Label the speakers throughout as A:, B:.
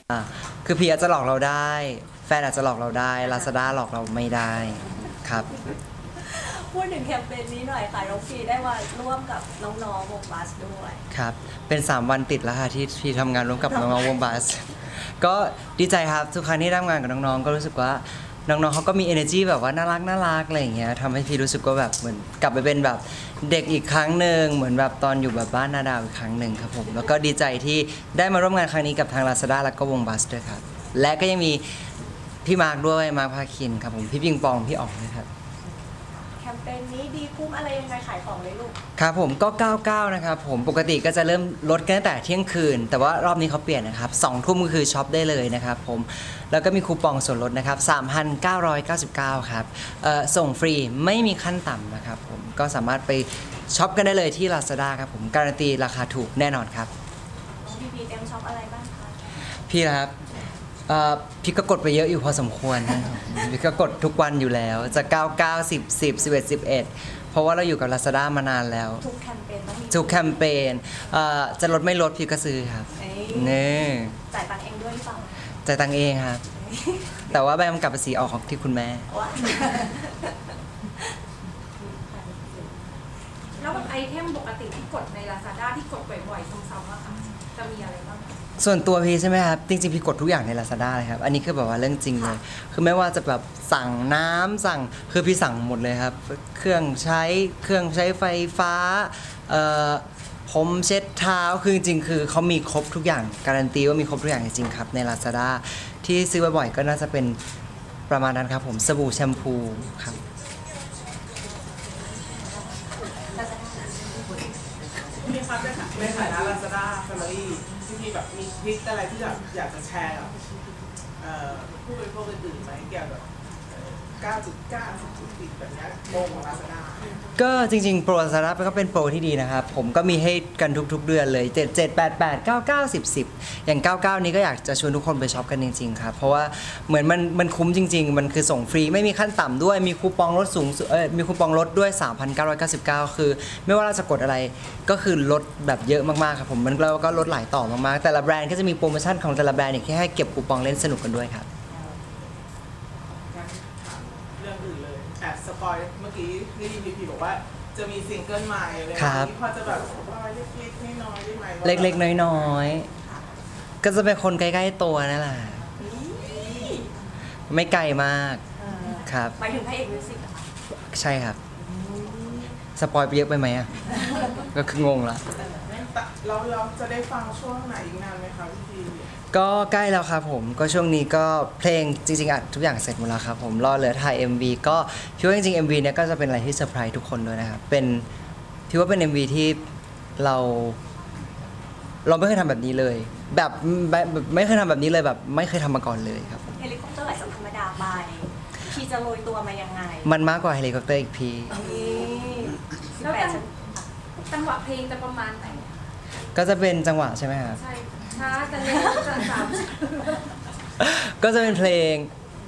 A: คือพี่อาจจะหลอกเราได้ แฟนอาจจะหลอกเราได้ Lazada หลอกเราไม่ได้ครับ
B: พูดถึงแคมเปญนี้หน่อยค่ะน้องฟีได้มาร่วมกับน้องๆวงบัสด้วย
A: ครับเป็น 3 วันติดแล้วค่ะที่พี่ทำงานร่วมกับน้องๆวงบัส ก็ดีใจครับทุกครั้งที่ทำงานกับน้องๆก็รู้สึกว่าน้องๆเขาก็มี energy แบบว่าน่ารักน่ารักอะไรอย่างเงี้ยทำให้พี่รู้สึกว่าแบบเหมือนกลับไปเป็นแบบเด็กอีกครั้งหนึ่งเหมือนแบบตอนอยู่แบบบ้านนาดาวอีกครั้งหนึ่งครับผมแล้วก็ดีใจที่ได้มาร่วมงานครั้งนี้กับทาง Lazada แล้วก็วงบัสด้วยครับและก็ยังมีพี่มาร์คด้วยมาร์คพาคินครับผมพี่ปิงปองพี่อ๋องนะครับ
B: แคมเปญนี้ดีคุ้มอะไรยังไงขายของเลยลูก
A: ครับผมก็ 99 นะครับผมปกติก็จะเริ่มลดกันตั้งแต่เที่ยงคืน แต่ว่ารอบนี้เขาเปลี่ยนนะครับ2 ทุ่มก็คือช็อปได้เลยนะครับผมแล้วก็มีคูปองส่วนลดนะครับ 3,999 ครับส่งฟรีไม่มีขั้นต่ำนะครับผมก็สามารถไปช็อปกันได้เลยที่ Lazada ครับผมการันตีราคาถูกแน่นอนครับ
B: น้องพีเต็มช็อปอะไรบ้างคะ
A: พี่นะครับพี่ก็กดไปเยอะอยู่พอสมควรนะครับพี่ก็กดทุกวันอยู่แล้วจะ 99 10 10 11 11 เพราะว่าเราอยู่กับ Lazada มานานแล้ว
B: ทุกแคมเปญต้องมี
A: ทุกแคมเปญจะลดไม่ลดพี่ก็ซื้อครับ
B: เอ้ย
A: นี่
B: จ่ายตังค์เองด้วยหรือเปล่า
A: จ่ายตังค์เองครับ แต่ว่าใบกำกับภาษีออกของที่คุณแม่
B: ว่า
C: แล้วแบบไอเทมปกติที่กดใน Lazada ที่กดบ่อยๆซ้ำๆอะค่ะจะมีอะไรบ้างคะ
A: ส่วนตัวพี่ใช่ไหมครับ จริงๆ พี่กดทุกอย่างใน Lazada เลยครับ อันนี้คือแบบว่าเรื่องจริงเลย คือไม่ว่าจะแบบสั่งน้ำสั่งคือพี่สั่งหมดเลยครับ เครื่องใช้ไฟฟ้าผมเช็ดเท้าคือจริงๆคือเขามีครบทุกอย่างการันตีว่ามีครบทุกอย่างจริงๆครับใน Lazada ที่ซื้อบ่อยๆก็น่าจะเป็นประมาณนั้นครับผมสบู่แชมพูครับ
D: พี่ครับในฐานะ Lazada Family พี่แบบมีทริคอะไรที่แบบอยากจะแชร์กับผู้บริโภคอื่นๆไหมเกี่ยวกับ9.9 10.10แบบนี้โปรของ Lazada
A: ก็จริงๆโปร Lazada ก็เป็นโปรที่ดีนะครับ ผมก็มีให้กันทุกๆเดือนเลย 7 7 8 8 9 9 10 10 อย่าง 99 นี้ก็อยากจะชวนทุกคนไปช็อปกันจริงๆครับ เพราะว่าเหมือนมันคุ้มจริงๆ มันคือส่งฟรีไม่มีขั้นต่ำด้วยมีคูปองลดสูงสุดมีคูปองลดด้วย 3,999 คือ ไม่ว่าเราจะกดอะไรก็คือลดแบบเยอะมากๆครับผมมันแล้วก็ลดหลายต่อมากๆแต่ละแบรนด์ก็จะมีโปรโมชั่นของแต่ละแบรนด์อีกที่ให้เก็บคูปองเล่นสนุกกันด้วยครับ
D: งั้นถามเรื่องอื่นเลยแอบสปอยเมื่อกี้ได้ยินพีบอกว่าจะมีซิงเกิลใหม่เลย
A: ครับ
D: พอจะแบบสปอยเล็กๆน้อยๆได้ไหมว่า
A: เล็กๆน้อยๆก็จะเป็นคนใกล้ๆตัวนั่นแหละไม่ไกลมากครับ
B: หมายถึงพระเอกมิวสิกเหรอคะ
A: ใช่ครับ สปอยไปเยอะไปไหมอ่ะ ก็คืองงละ
D: แต่เราจะได้ฟังช่วงไหนอีกนานไหมคะพี่
A: ก็ใกล้แล้วครับผม ก็ช่วงนี้ก็เพลงจริงๆอัดทุกอย่างเสร็จหมดแล้วครับผมรอเหลือถ่าย MV ก็พี่ว่าจริงๆ MV เนี่ยก็จะเป็นอะไรที่เซอร์ไพรส์ทุกคนด้วยนะครับเป็นพี่ว่าเป็น MV ที่เราไม่เคยทำแบบนี้เลย แบบไม่เคยทำแบบนี้เลยแบบไม่เคยทำมาก่อนเลยครับผม
B: เฮลิคอปเตอร์ไหลสัมธรรมดาไปพี่จะโรยตัวมายังไง
A: มันมากกว่าเฮลิคอปเตอร์อีกพี่
B: นี่
C: แล้ว
B: 18ชั้น
C: จังหวะเพลงจะประมาณไหน
A: ก็จะเป็นจังหวะใช่ไหมครับ
C: ใช่ช้าจะเร็วจะสาม
A: ก็จะเป็นเพลง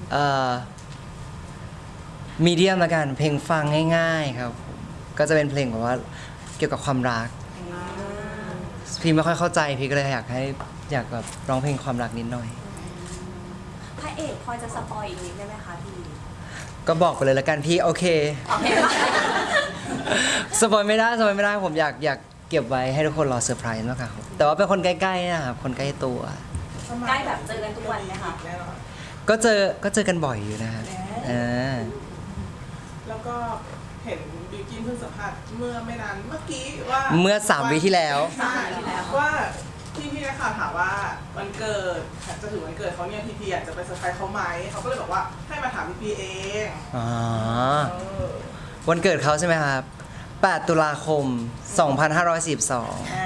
A: มีเดียมละกันเพลงฟังง่ายๆครับผมก็จะเป็นเพลงแบบว่าเกี่ยวกับความรัก พี่ไม่ค่อยเข้าใจพี่ก็เลยอยากแบบร้องเพลงความรักนิดหน่อย
B: พระเอกพอจะสปอยอีกนิดได้ไหมคะพี่
A: ก็บอกไปเลยละกันพี่โอเค
B: โอเคปะ
A: สปอยไม่ได้ผมอยากเก็บไว้ให้ทุกคนรอเซอร์ไพรส์มากกว่าครับแต่ว่าเป็นคนใกล้ๆนะครับคนใกล้ตัว
B: ใกล้แบบเจอกันทุกวันไหมคะ
D: แน่นอน
A: ก็เจอกันบ่อยอยู่นะครับา
D: แล้วก็เห็นบิวกินเพิ่งสัมภาษณ์เมื่อไม่นานเมื่อกี้ว่า
A: เมื่อ3 วิที่แล้ว
D: ใช่ว่าพี่นักข่าวถามว่าวันเกิดจะถึงวันเกิดเขาเนี่ยพีอยากจะไปเซอร์ไพรส์เขาไหมเขาก็เลยบอกว่าให้มาถามพีเอง
A: อ๋อ
D: เออ
A: วันเกิดเขาใช่ไหมครับ 8 ตุลาคม 2542
B: อ่า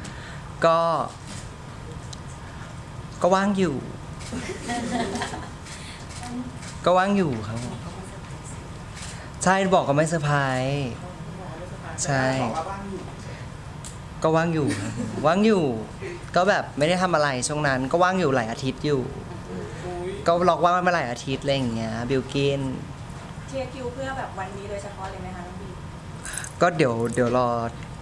A: ก็ว่างอยู่ ก็ว่างอยู่ครับผมใช่บอกก็ไม่เซอร์ไพรส์ ใช่
D: บอกว่าบ้านอยู่
A: ก็ว่างอยู่ครับว่างอยู่ ก็แบบไม่ได้ทำอะไรช่วงนั้น ก็ว่างอยู่หลายอาทิตย์อยู่
D: อุ้ย
A: ก็ล็อกว่างมาหลายอาทิตย์อะไรอย่างเงี้ยบิลกิน
B: เชียร์คิวเพื่อแบบวันนี้โดยเฉพาะเลยไหมคะน้องบี
A: ก็เดี๋ยวร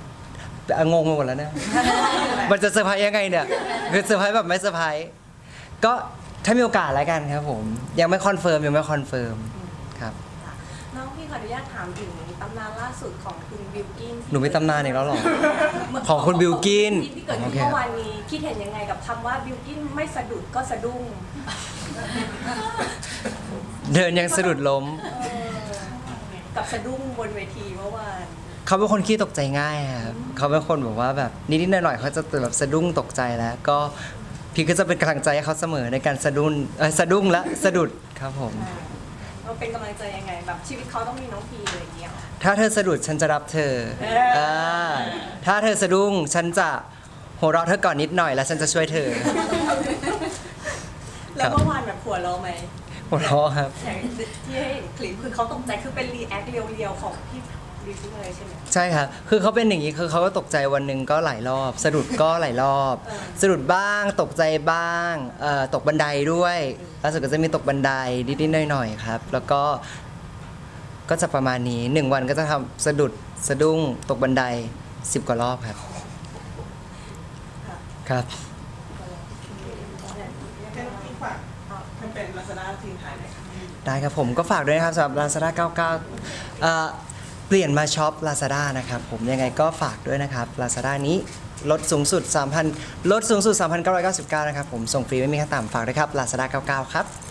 A: องงไปหมดแล้วเนี่ย มันจะเซอร์ไพรส์ยังไงเนี่ยคือเซอร์ไพรส์แบบไม่เซอร์ไพรส์ก็ถ้ามีโอกาสแล้วกันครับผมยังไม่คอนเฟิร์มครับ
B: น้องพี่ขออนุญาตถามถึงตำนานล่าสุดของคุณบิลกิน
A: หนูมีตำนานอีกแล้วเหรอ ของคุณบิลกิน
B: ที่เกิดขึ้น
A: โอเค
B: เมื่อวานนี้คิดเห็นยังไงกับคำว่าบิลกินไม่สะดุดก็สะดุ้ง
A: เดินยังสะดุดล้ม
B: กับสะดุ้งบนเวทีเมื่อวาน
A: เขาเป็นคนขี้ตกใจง่ายครับเขาเป็นคนแบบว่าแบบนิดๆหน่อยๆเขาจะแบบสะดุ้งตกใจแล้ว ก็พี่ก็จะเป็นกำลังใจให้เขาเสมอในการสะดุ้งและสะดุดครับผม
B: เราเป็นกำลังใจยังไงแบบชีวิตเขาต้องมีน้องพีเลยางเงี้ยหรอ
A: ถ้าเธอสะดุดฉันจะรับเธอถ้าเธอสะดุ้งฉันจะหัวเราะเธอก่อนนิดหน่อยแล้วฉันจะช่วยเธอ
B: แล้วเมื่อวานแบบหัวเราะไหม
A: หัวเราะครับ
B: อย่างที่ให้เห็นคลิปคือเขาตกใจคือเป็นรีแอคเรียวๆของพี่บิวกิ้นเลยใช่ไหม
A: ใช่ครับ คือเขาเป็นอย่างนี้ คือเขาก็ตกใจวันหนึ่งก็หลายรอบ สะดุดก็หลายรอบ สะดุดบ้าง ตกใจบ้างตกบันไดด้วยล่าสุดก็จะมีตกบันไดนิดๆหน่อยๆครับ แล้วก็จะประมาณนี้1วันก็จะทำสะดุดสะดุ้งตกบันได10กว่ารอบครับ ครับ
D: ให้น้องพี่ฝากแคมเปญ Lazada ทีมไทยหน่อยค่ะ
A: ได้ครับผมก็ฝากด้วยนะครับสำหรับ Lazada 99เปลี่ยนมาช็อป Lazada นะครับผมยังไงก็ฝากด้วยนะครับ Lazada นี้ลดสูงสุด 3,999 นะครับผมส่งฟรีไม่มีขั้นต่ำฝากด้วยครับ Lazada 99 ครับ